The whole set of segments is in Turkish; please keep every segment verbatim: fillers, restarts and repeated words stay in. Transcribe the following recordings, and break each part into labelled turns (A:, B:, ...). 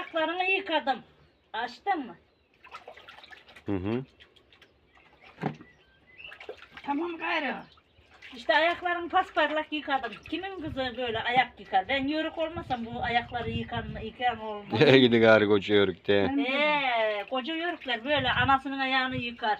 A: ayaklarını yıkadım. Açtın mı?
B: Hı hı.
C: Tamam gayrı.
A: İşte ayaklarımı pasparlak yıkadım. Kimin kızı böyle ayak yıkar? Ben yörük olmasam bu ayakları yıkan, yıkan olmaz.
B: Gidi gari koca yörükte.
C: Benim kızım.
A: Eee koca yörükler böyle anasının ayağını yıkar.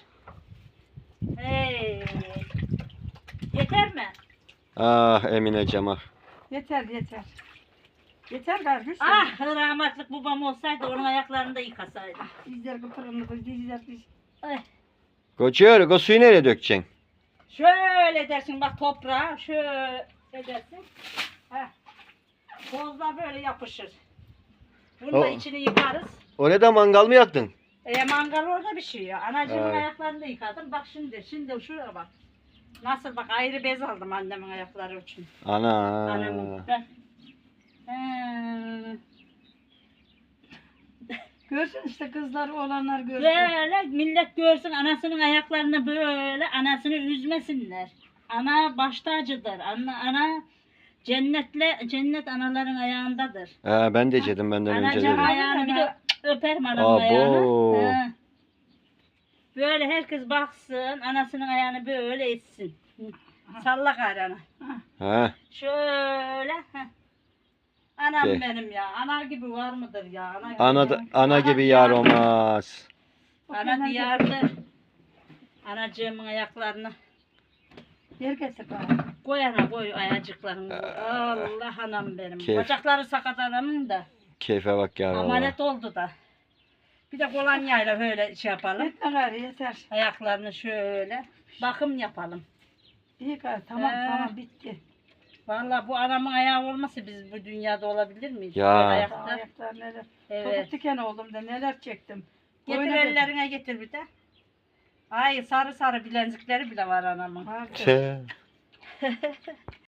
A: Hey. Yeter mi?
B: Ah Emineciğim ah.
C: Yeter yeter. Yeter gayrı. Gülsün.
A: Ah rahmetlik babam olsaydı onun ayaklarını da yıkasaydı.
C: Dizler kıpırındı. Dizler diz.
A: Ay.
B: Koca yörük o suyu nereye dökeceksin?
A: Şöyle dersin bak toprağa şöyle dersin. Heh. Tozla böyle yapışır. Bunu da
B: O-
A: içini yıkarız.
B: Orada mangal mı yaktın?
A: E mangal orada bir şey ya. Anacığımın
B: Evet.
A: ayaklarını da yıkadım. Bak şimdi, şimdi şuraya bak. Nasıl bak ayrı bez aldım annemin ayakları için.
B: Ana.
A: Annemin. Heh. He.
C: Görsün işte kızlar olanlar görsün.
A: Böyle millet görsün anasının ayaklarını böyle anasını üzmesinler. Ana baş tacıdır. Ana, ana cennetle cennet anaların ayağındadır.
B: He, ben de yedim benden önce
A: Anacığım
B: dedim.
A: ayağını bir de öperim anamın
B: Abo.
A: ayağını. He. Böyle herkes baksın anasının ayağını böyle etsin. Salla gayrı.
B: He.
A: Şöyle. Heh. Anam
B: De.
A: benim ya. Ana gibi var mıdır ya? Ana gibi,
B: Ana, da- ana gibi yar olmaz.
A: Ana diyardır. Anacığımın ayaklarını
C: Yer getir bana.
A: koy ana koy ayacıklarını. Allah anam benim.
B: Keyif.
A: Bacakları sakat adamın da.
B: Keyfe bak yar valla.
A: Amanet oldu da. Bir de kolonyayla böyle şey yapalım.
C: Yeter gayrı yeter.
A: Ayaklarını şöyle bakım yapalım.
C: İyi gayrı tamam
A: He.
C: tamam bitti.
A: Vallahi bu anamın ayağı olmasa biz bu dünyada olabilir miyiz?
B: Ya.
A: Böyle
C: Aa,
A: ayakta.
C: ayaklar neler.
A: Evet.
C: Topuk diken oldum da neler çektim.
A: Getir
C: Oyna dedim.
A: ellerine getir bir de. Ay sarı sarı bilenzikleri bile var anamın.
C: Vardı.
B: Tüh.